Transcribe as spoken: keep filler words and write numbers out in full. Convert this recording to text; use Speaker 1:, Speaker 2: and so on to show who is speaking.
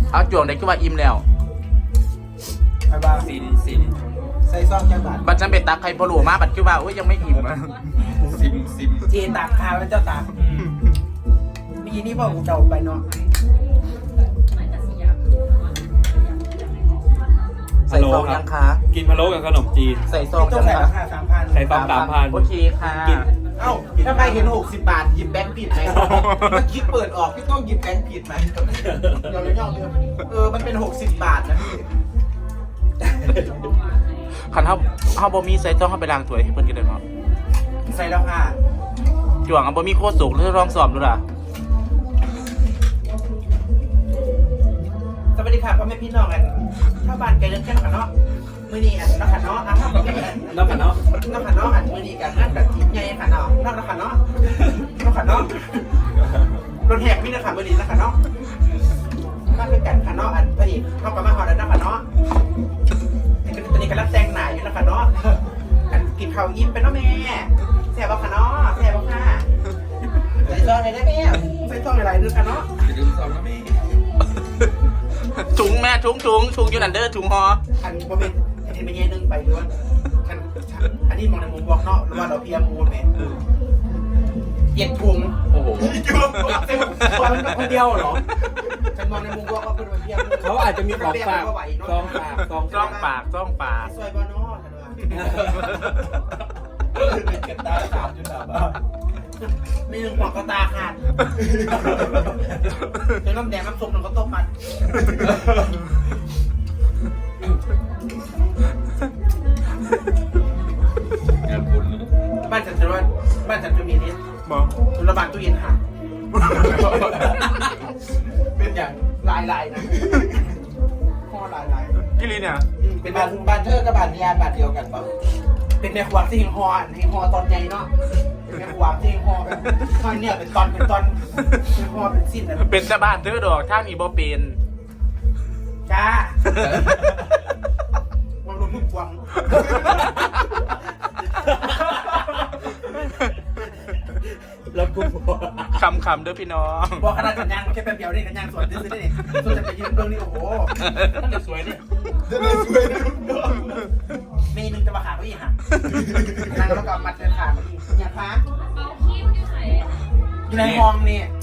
Speaker 1: เอาจวงได้คือว่าอิ่มแล้ว
Speaker 2: ไปบ้าง
Speaker 3: สินสิน
Speaker 2: ใส่ซองจังบาท
Speaker 1: บัดฉันไปตักไข่พะโล้มาบัดคือว่าโอ้ยยังไม่อิ่มอะ
Speaker 3: ซิมซิม
Speaker 2: เจตากข้าวแล้วเจ้าตากมีนี่พ่อกูเดาไปเนาะ
Speaker 1: ใส่ซองยังคะ
Speaker 3: กินพะโล้กับขนมจีน
Speaker 1: ใส่ซอง
Speaker 2: ต้อ
Speaker 1: ยัง
Speaker 2: งใส่
Speaker 1: คะ
Speaker 2: ราคาสามพัน
Speaker 3: ใส่ซองสามพัน
Speaker 1: โอเคค่ะ
Speaker 2: เอ้าถ้าไปเห็นหกสิบบาทหยิบแบงค์ผิดไหมเมื่อกี้เปิดออกพี่ต้องหยิบแบงค์ผิดไหมเดี๋ยวเดี๋ยวเดี๋ยวเออมันเป็นหกสิบบาทนะพี่
Speaker 1: คันเขาเขาบ่มีใส่ซองเขาไปล้างถ้วยให้เพิ่นกินได้เนาะ
Speaker 2: ใส่แล้วค่ะ
Speaker 1: จวงเอาบ่มีโคตรสุกแล้วลองสอบดูล่ะ
Speaker 2: สวัสดีค่ะพ่อแม่พี่น้องกันถ้าบ้านไกลเรื่องแค่ขันเนาะมือนี้อันนักขันเนาะอ่ะถ้าแบบนี้
Speaker 3: น้ำกันเนาะ
Speaker 2: นักขันเนาะอันมือนี้กันนั่นกับทีมใหญ่ขันเนาะนักขันเนาะนักขันเนาะรถแหกมีนักขันมือนี้นักขันเนาะมาคือกันขันเนาะอันพอดีเข้ากับมาหอแล้วนักขันเนาะตอนนี้กำลังแต่งหน้าอยู่นักขันเนาะกันกินข้าวอิ่มไปเนาะแม่แซ่บบ่ขันเนาะแซ่บบ่ค่ะใส่ซองอะไรได้แม่ใส่ซองอะไรด้วยขันเนาะ
Speaker 3: อย่าลืมซองนะแม่
Speaker 1: ถุงแม่ถุงถุงถุงอยู่นั่นเด้อถุงหอ
Speaker 2: อันโมเมนต์อันนี้ไม่แย่นึงไปด้วยอันอันนี้มองในมุมบอกเนาะหรือว่าเราเพียมูลไหมเย็นพุง
Speaker 3: โอ้โห
Speaker 2: คนเดียวเหรอฉันมองในมุมบอกว่าเป็นเพียมู
Speaker 3: เขาอาจจะมีของฝากซองฝากซอง
Speaker 1: จ้องปากจ้องปาก
Speaker 2: ซอยบอนอฉันว่าเป็นกระตาขาดอยู่แบบไม่หนึ่งหัวกระตาขาดเดี๋ยวน้ำแดงน้ำส้มน้ำก็ต้มมัน
Speaker 3: งานบุญ
Speaker 2: บ้านฉันจะว่าบ้านฉันจะมีนี้
Speaker 1: บอก
Speaker 2: ทุนระบาดตู้เย็นหักเป็นอย่างลายลายนะข้อลายลาย
Speaker 1: กิลีเนี่ย
Speaker 2: เป็นบ้านบ้านเธอกับบ้านยาบ้านเดียวกันปะเป็นแม่ขวางที่หิงฮอนหิงฮอตอนใหญ่เนาะเป็นแม่ขวางที่หิงฮอแบบตอนเนี่ยเป็นตอนเป็นตอนหิงฮอเป็นสิ้นนะ
Speaker 1: เป็นชาวบ้านเธอดอกถ้ามีบ่เป็น
Speaker 2: จ้าวังลมทุกวัง
Speaker 3: แล้วกู
Speaker 1: คำคำๆเด้อพี่น้อง
Speaker 2: บอกขนาดกันยางแค่แป๊บเดียวนี่กันยางสวนซื้อได้เนี่ยส่วนจะไปยืนเบื้องนี่โอ้โหนั่นจะสวยนี่จะได้สวยนะมีหนึ่งจะมาขาก็อีกหักนั่งแล้วก็มัดเดินขามาอีกเนี่ยคะอยู่ในห้องนี่